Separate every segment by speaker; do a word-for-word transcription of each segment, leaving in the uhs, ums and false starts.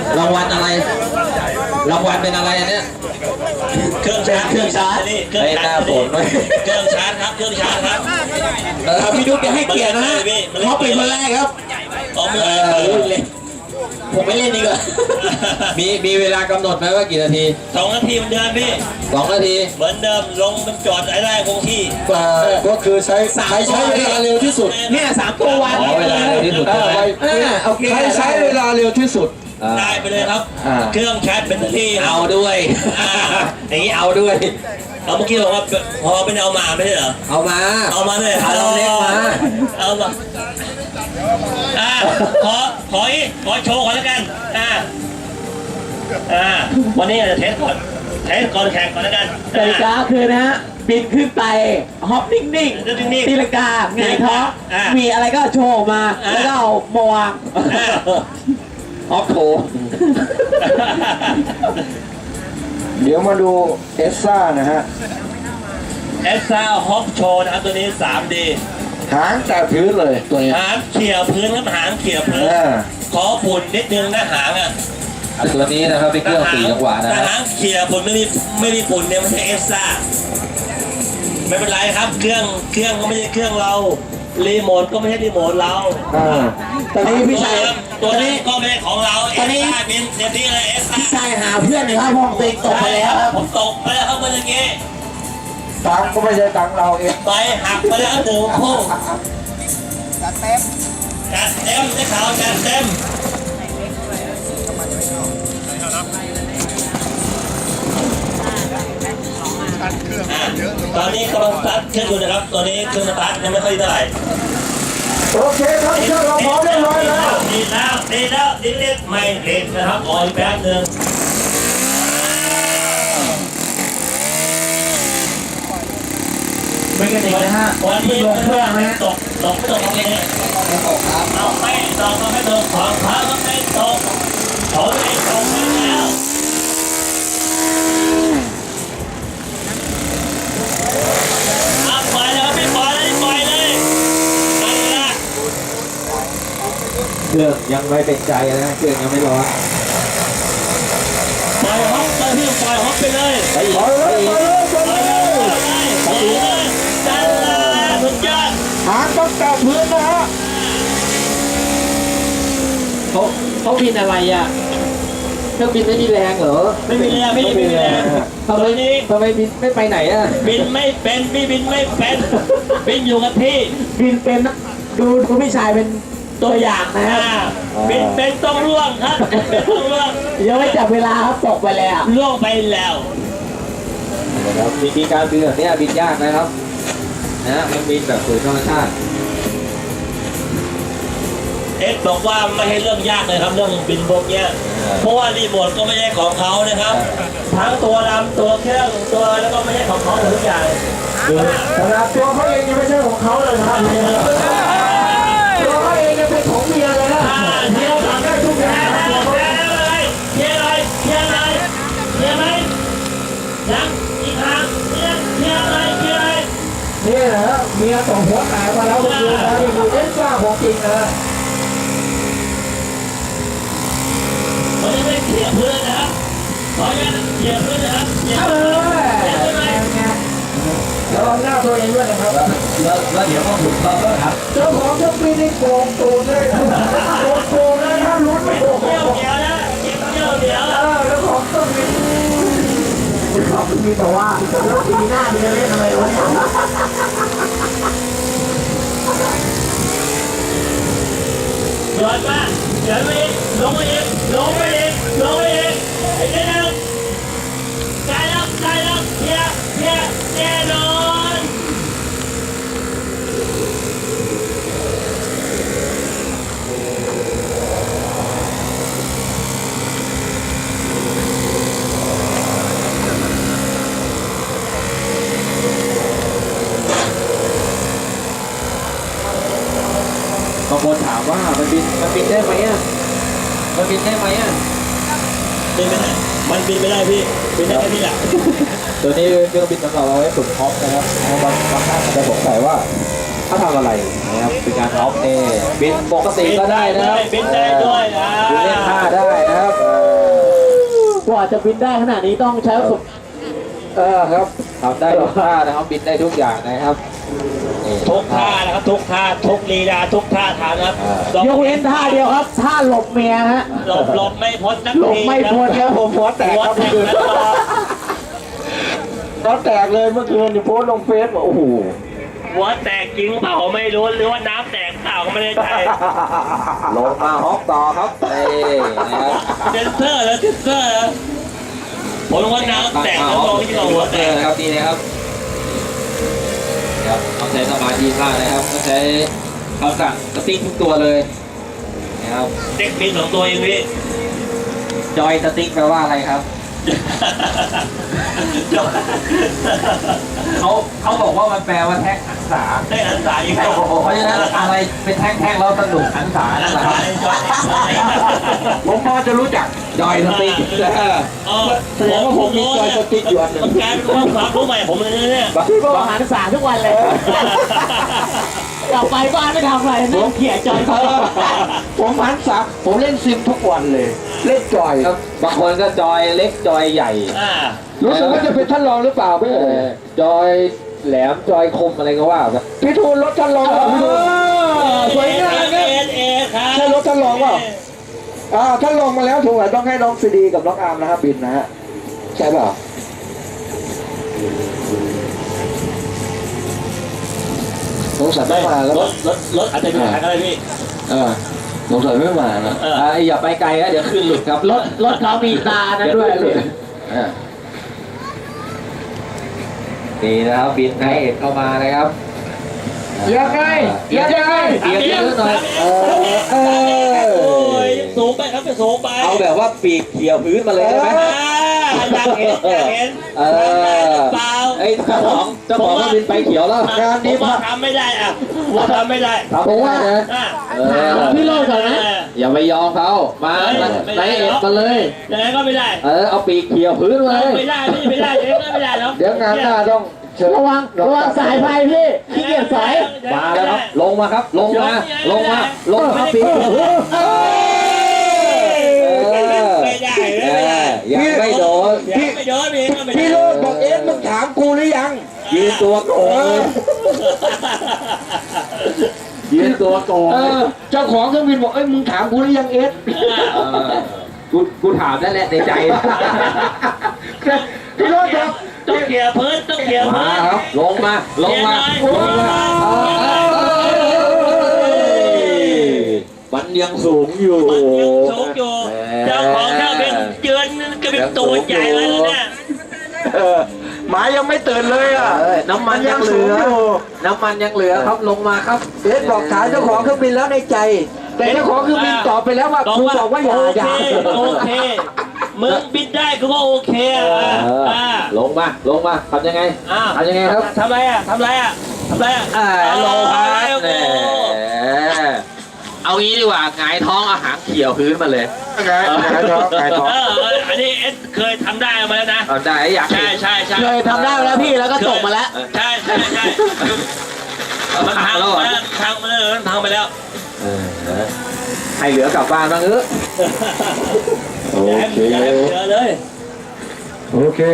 Speaker 1: รางวัลอะไรรางวัลเป็นอะไรเนี่ย
Speaker 2: เครื่องชาร์จเครื่องชาร์จนี่เครื่องชาร์จเครื่องชาร์จครับเครื่องชาร์จครับ
Speaker 1: พี่ดุ๊กจะให้เกียรตินะฮะเขาเป็นคนแรกครับ
Speaker 2: อ๋อเมื่อ
Speaker 1: เลยผมไม่เล่นดีกว่ามีมีเวลากำหนดไหมว่ากี่นาที
Speaker 2: สองนาทีเหมือนเดิมพี่
Speaker 1: สองนาที
Speaker 2: เหมือนเดิมลงมันจอดไอ้ได้คงที่
Speaker 3: ก็คือใช้ใช้ใช้เวลาเร็วที่สุด
Speaker 1: เนี่ยสามตัววัน
Speaker 3: เวลาเร็วที่สุดใช้ใช้เวลาเร็วที่สุด
Speaker 2: ได้ไปเลยครับเครื่องชาร์จแบตเตอรี่
Speaker 1: เอาด้วยอย่างนี้เอาด้วย
Speaker 2: เอาเมื่อกี้บอกว่าพอเป็นเอามาไม่ใช่เหรอ
Speaker 1: เอามา
Speaker 2: เอามาเลย
Speaker 1: เอาเล็กมา
Speaker 2: เอามาอ่าขอขออีกขอโชว์ก่อนแล้วกันอ่าอ่าวันนี้จะเทสก่อนเทสก่อนแข่งก่อนแล้วกัน
Speaker 1: กติกาคือนะฮะบินขึ้นไปฮอปนิ่งๆตีลังกาไงท้อมีอะไรก็โชว์มาแล้วก็เอามาวางฮอปโถ
Speaker 3: เดี๋ยวมาดูเอสซ่านะฮะ
Speaker 2: เอสซ่าฮอปโชว์นะครับตัวนี้ สามดี
Speaker 3: หางแตะพื้นเลยตัวนี้
Speaker 2: หางเขี่ยพื้นครับหางเขี่ยพื้นขอฝุ่นนิดนึงนะหางอ่ะ
Speaker 1: ตัวนี้นะครับเป็นเครื่องสี่จังหวะนะ
Speaker 2: หางเขี่ยฝุ่นไม่มีไม่มีฝุ่นเนี่ยมันใช่เอสซ่าไม่เป็นไรครับเครื่องเครื่องก็ไม่ใช่เครื่องเรารีโมทก็ไม่ใช่รีโมทเรา
Speaker 1: ตอนนี้พี่ชาย
Speaker 2: ตัวนี้ก็ไม่ใช่ของเราตอนนี้เป็นเดี๋ยวนี้เลยเอสซ่า
Speaker 1: พี่ชายหาเพื่อนเลยครับผมตกไปแล้ว
Speaker 2: ผมตกไปแล้วครับมันอย่างงี้
Speaker 3: ตังก็ไม่ใช่ตังเราเอง
Speaker 2: ไปหักไปแล้วหนึ่งคู่จัดเต็มจัดเต็มได้ข่าวจัดเต็มตอนนี้กำลังสตาร์ทเครื่องอยู่นะครับตอนนี้เครื่องสตาร์ทยังไม่ค่อยเท่าไหร่
Speaker 3: โอเคครับเครื่องเราพร้อมเรียบร้อยแล้ว
Speaker 2: ดีแล้วดีแล้วดีเล็กไม่เล็กนะครับอ่อยแป๊บนึง
Speaker 1: ไม่กระดิกนะฮะ
Speaker 2: วันนี้ลงเครื่องนะตกตกตกตรงนี้ไม่ตกครับเอาไม่ตกก็ไม่ตกของพระก็ไม่ตกเขาไม่ตกแล้วเอาปล่อยแล้วไม่ปล่อยเลยปล่อยเลยนั่นแหละ
Speaker 1: เครื่องยังไม่เป็นใจนะเครื่องยังไม่ร้อน
Speaker 2: ปล่อยฮอปไปพี่ปล่อยฮอปไปเลย
Speaker 3: ไปเลยไปเลย
Speaker 2: ไปเลยจันลาสุดยอด
Speaker 3: หางต้องแตะพื้นนะฮะ
Speaker 1: เขาเขาบินอะไรอ่ะเครื่องบินไม่มีแรงเหรอ
Speaker 2: ไม่มีแรงไม่มีแรง
Speaker 1: ทำไมนี้ทำไมบินไม่ไปไหนอ่ะ
Speaker 2: บินไม่เป็นพี่บินไม่เป็นบินอยู่กับที่
Speaker 1: บินเป็นดูดูพี่ชายเป็นตัวอย่างนะฮะ
Speaker 2: บินเป็นต้องร่วงครับเป็นต้องร่วง
Speaker 1: ยังไม่จับเวลาครับตกไปแล้ว
Speaker 2: ร่วงไปแล้ว
Speaker 1: นะครับวิธีการบินแบบนี้บินยากนะครับนะมันบินแบบฝืนธรรมชาติ
Speaker 2: เอ็กบอกว่าไม่ให้เรื่องยากเลยครับเรื่องบินพวกเนี้ยเพราะว่ารีโมทก็ไม่ใช่ของเขานะครับทั้งตัวลำตัวเครื่องตัวแล้วก็ไม่ใช่ของเขาทุกอย่าง
Speaker 3: ขนาดตัวเขาเองยังไม่ใช่ของเขาเลยครับตัวเขาเองยังเป็นของเมียเลยนะเมียทำได้ทุกอย่าง
Speaker 2: ตัวเขาเองเมียอะไรเมียอะไรเมียไหมยังอีกครั้งเมียเมียอะไรเมียอะไร
Speaker 3: นี่เหรอเมียตกหัวแตกมาแล้วเมื่อคืนนะนี่คือเอ็กซ์ซ่าของจริงนะ
Speaker 2: เขาจะไม่เขี่ยพื้นนะครับเขาจะเขี่ยพื้นนะครับเขี่ยพื้น
Speaker 3: ระวังหน้าตัวเองด้วยนะครับ
Speaker 1: แล้วแล้วเดี๋ยวก็ถูกต้องแล้วครับ
Speaker 3: เจ้าของเจ้าปีนี่โกงตูนเลยโกงโกงเลยถ้าลุ้นไม่โกง
Speaker 2: เดี๋ยวเดี๋ยวนะเดี๋ยวเดี๋ยว
Speaker 3: เออแล้วของต้องมีเขามีแต่ว่าแล้วปีหน้ามีจะเล่นอะไรวะ
Speaker 2: เดี๋ยวมาเดี๋ยวไปอีกลงไปอีกลงไปอีกลงไปอีกไอ้เจ้าใกล้แล้วใกล้แล้วเพี้ยเพี้ยแน่นอน
Speaker 1: บางคนถามว่ามันบินมันบินได้ไหมอ่ะมันบินได้ไหมอ่ะ
Speaker 2: บินไม่ได้มันบินไม่ได้พี่บินได้แค่นี้แหละ
Speaker 1: ตัวนี้เครื่องบินสำหรับเอาไว้ฝึกฮอปนะครับบางบางท่านอาจจะสงสัยว่าถ้าทำอะไรนะครับเป็นการฮอปเอบินปกติก็ได้นะครับ
Speaker 2: บินได้ด้วยนะ
Speaker 1: บินเล่นท่าได้นะครับกว่าจะบินได้ขนาดนี้ต้องใช้ประสบ
Speaker 3: เออครับทำได้ทุกท่านะครับบินได้ทุกอย่างนะครับนี่
Speaker 2: ทุกท่านะครับทุกท่าทุกลีลาทุกท่าทางนะครับ
Speaker 1: ยกเว้นท่าเดียวครับท่าหลบเมียฮะ
Speaker 2: หลบหลบไม่พ้นนัก
Speaker 1: หลบไม่พ้นครับผมหัวแตก
Speaker 2: หัว
Speaker 1: ครับ
Speaker 2: แต
Speaker 1: เมื่อก คืน
Speaker 2: แล้วก็
Speaker 3: ก็แตกเลยเมื่อคืนนี่โพสต์ลงเฟซบอกโอ้โห
Speaker 2: หัวแตกจริงเปล่าไม่รู้หรือว่าน้ำแตกเปล่าก็ไม่ได้ใจ
Speaker 3: ลงมาฮอกต่อครับนี่นะครับ
Speaker 2: เซนเซอร์แล้วเซนเซอร์แล้วผมว่าน้ำแตกแล้วมองที่เราหัวแตก
Speaker 3: นะครับนี่นะครับครับต้องใช้สมาธิมากนะครับต้องใช้คำสั่งสติ๊กทุกตัวเลยนะครับ
Speaker 2: เด็กมีสองตัวเองพี่
Speaker 3: จอยสติ๊กแปลว่าอะไรครับเขาเขาบอกว่ามันแปลว่าแท็กหันษา
Speaker 2: ได้อันสายอีก
Speaker 3: เพราะฉะนั้นอะไรเป็นแท่งๆแล้วสนุกหันษานั่นแหละครับผมพอจะรู้จักจอยสติ๊ก แสดงว่าผมมีจอยสติ๊กอยู่อันหนึ่ง
Speaker 2: มันกลายเป็นความรู้ใหม่ผมเลยนะเนี่ย
Speaker 1: พี่บอกหาศึกษาทุกวันเลยกลับไปบ้านไม่ทำอะไรนั่งเขี่ยจอยเขา
Speaker 3: ผมหันษาผมเล่นซิมทุกวันเลย เล่นจอยครับบางคนก็จอยเล็กจอยใหญ่
Speaker 2: อ่า
Speaker 3: รู้สึกว่าจะเป็นท่านรองหรือเปล่าพี่จอยแหลมจอยคมอะไรก็ว่าไปพี่ทูลรถท่านรองพี่ทูลสวยงาม
Speaker 2: เอ
Speaker 3: เนี่ย
Speaker 2: เอครับ
Speaker 3: ใช่รถท่านรองเปล่าอ่าท่านรองมาแล้วถูกไหมต้องให้น้องซีดีกับน้องอาร์มนะครับบินนะฮะใช่เปล่าสงสัยไม่มาแล้ว
Speaker 2: รถรถรถอาจจะมีปัญหาอะไรพี่
Speaker 3: เออสงสัยไม่มานะ
Speaker 2: เออ
Speaker 3: อ่าอย่าไปไกลนะเดี๋ยวขึ้นหลุดครับ
Speaker 1: รถรถเขามีตานะด้วยพี่
Speaker 3: อ่านี่นะครับบินให้เอกเข้ามานะครับยังไงยังไงเสียงเยอะหน่อยเออเออ
Speaker 2: โอ้ยสูงไปครับสูงไป
Speaker 3: เอาแบบว่าปีกเขี่ยวพื้นมาเลยได้ไหม
Speaker 2: อยากเห็นอยากเห็น
Speaker 3: เออ
Speaker 2: เปล่า
Speaker 3: ไอ้เจ้าของเจ้าของก็บินไปเขียวแล้วงานนี้
Speaker 2: ผมว่าทำไม่ได้อ่ะผมทำไม่ได้
Speaker 3: ทำไม่ได้นะ
Speaker 2: อ่ะ
Speaker 3: เออ
Speaker 1: ถามพี่โลดก่อนนะ
Speaker 3: อย่าไปยอมเขามาไนเอ็ดมาเลย
Speaker 2: ยังไงก็ไม่ได้
Speaker 3: เออเอาปีกเขี่ยวพื้นมาเลย
Speaker 2: ไม่ได้ไม่ไม่ได้ยังไงก็ไม่ได้แล้ว
Speaker 3: เดี๋ยวงานหน้าต้องเชิญ
Speaker 1: ระวังระวังสายไฟพี่ขี้เกียจสาย
Speaker 3: มาแล้วครับลงมาครับลงมาลงมาลงมาปีกเขี่ยวพื้นเออ
Speaker 2: ไม่ได้
Speaker 3: เอ
Speaker 2: ไม่ได้
Speaker 3: อยังไม่โดน
Speaker 2: พี่ไม่โดนพี่ก็ไม่ได้
Speaker 3: พี่โรดบอกเอ็ดมึงถามกูหรือยังยืนตัวโกงยืนตัวโกงเจ้าของเครื่องบินบอกเอ้ยมึงถามกูหรือยังเอ็ดกูกูถามนั่นแหละในใจพี่โรดครับ
Speaker 2: ต้องเกี่ยวพื้นต้องเกี่ยวพื้
Speaker 3: มาน ครับลงมาลงมาลงมามันยังสูงอยู่
Speaker 2: มันยังสูงอยู่เจ้าของเครื่องบินเยือนก็เป็นตัวใหญ่เลยนะเนี่ย
Speaker 3: หมายังไม่ตื่นเลยอ่ะน้ำมันยังเหลือน้ำมันยังเหลือครับลงมาครับเอ็ดบอกถามเจ้าของเครื่องบินแล้วในใจ แต่เจ้าของเครื่องบินตอบไปแล้วว่าครูบอกว่าอย่าอย่า
Speaker 2: โอเคมึงบินได้ก็ว่าโอเคอ่ะอ่า
Speaker 3: ลงมาลงมาทำยังไง
Speaker 2: อ่า
Speaker 3: ทำยังไงครับ
Speaker 2: ทำไรอ่ะทำไรอ่ะทำไรอ่ะ
Speaker 3: อ่าลงพัด
Speaker 2: โอ้
Speaker 3: แหมเอางี้ดีกว่าหงายท้องเอาหางเขี่ยวพื้นมาเลยหงายหงายท้องหงายท้อง
Speaker 2: เอออันนี้เอสเคยทำได้มาแล้วนะ
Speaker 3: เอาได้อยาก
Speaker 2: ใช่ใช่ใช่
Speaker 1: เคยทำได้แล้วพี่แล้วก็จบมาแล้ว
Speaker 2: ใช่ใช่ใช่มันพังไปแล้วพังไปแล้วมันพังไปแล้ว
Speaker 3: ให้เหลือกลับบ้านบ้างเออโอเค
Speaker 2: อย่าให้เหลือเลย
Speaker 3: โอเค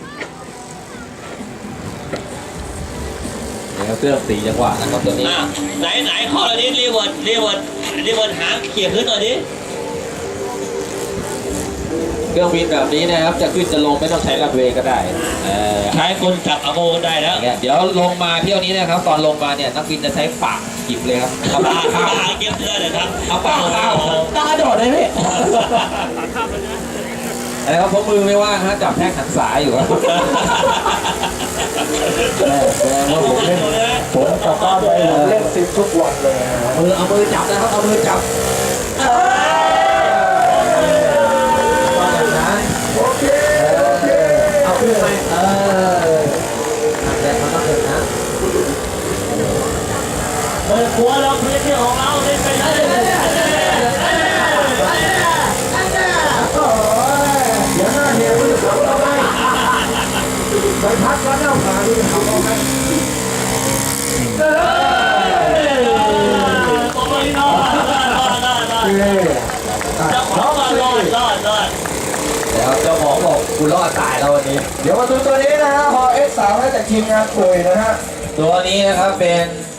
Speaker 3: เนี่ยเครื่องสี่จังหวะนะครับตัวนี้
Speaker 2: อ่ะไหนไหนขอเราดิรีเวิร์ดรีเวิร์ดรีเวิร์ดหางเขี่ยขึ้นหน่อยดิ
Speaker 3: เครื่องบินแบบนี้นะครับจะขึ้นจะลงไม่ต้องใช้รันเวย์ก็ได้เออ
Speaker 2: ใช้คนจับอโมได้แล้ว
Speaker 3: อย่างเงี้ยเดี๋ยวลงมาเที่ยวนี้นะครับ ตอนลงมาเนี่ยนักบินจะใช้ปากจิบเลยครับเอา
Speaker 2: ปลา
Speaker 3: ปาก
Speaker 2: ปลา
Speaker 3: ข้าว
Speaker 2: เก็บเสื้อเลยครับ
Speaker 3: เอาปากข้าว
Speaker 1: ตาโดดเลยพี่
Speaker 3: อะไรครับเพราะมือไม่ว่างฮะจับแท่งหันสายอยู่ครับแสดงว่าผมเล่นผมกลับบ้านไปผมเล่นซิมทุกวันเลยมือเอามือจับนะครับเอามือจับโอเคโอเคเอาขึ้นไปเออแต่มันต้องเห็นนะ
Speaker 2: เปิดหัวเราพื้นที่ของเราเล่นไปเลย
Speaker 3: เดี๋ยวหน้าเฮียมันจะทำเราไหมไปพักแล้วหน้าผาดูทำเราไหม
Speaker 2: โอ้ยรอดรอดรอดรอด
Speaker 3: เฮ้ย
Speaker 2: เจ้าของรอดรอดรอดรอด
Speaker 3: แครับเจ้าของบอกกูรอดตายแล้ววันนี้
Speaker 4: เดี๋ยวมาดูตัวนี้นะฮะฮอเอสสามจากทีมงานปุ๋ยนะฮะ
Speaker 3: ตัวนี้นะครับเป็น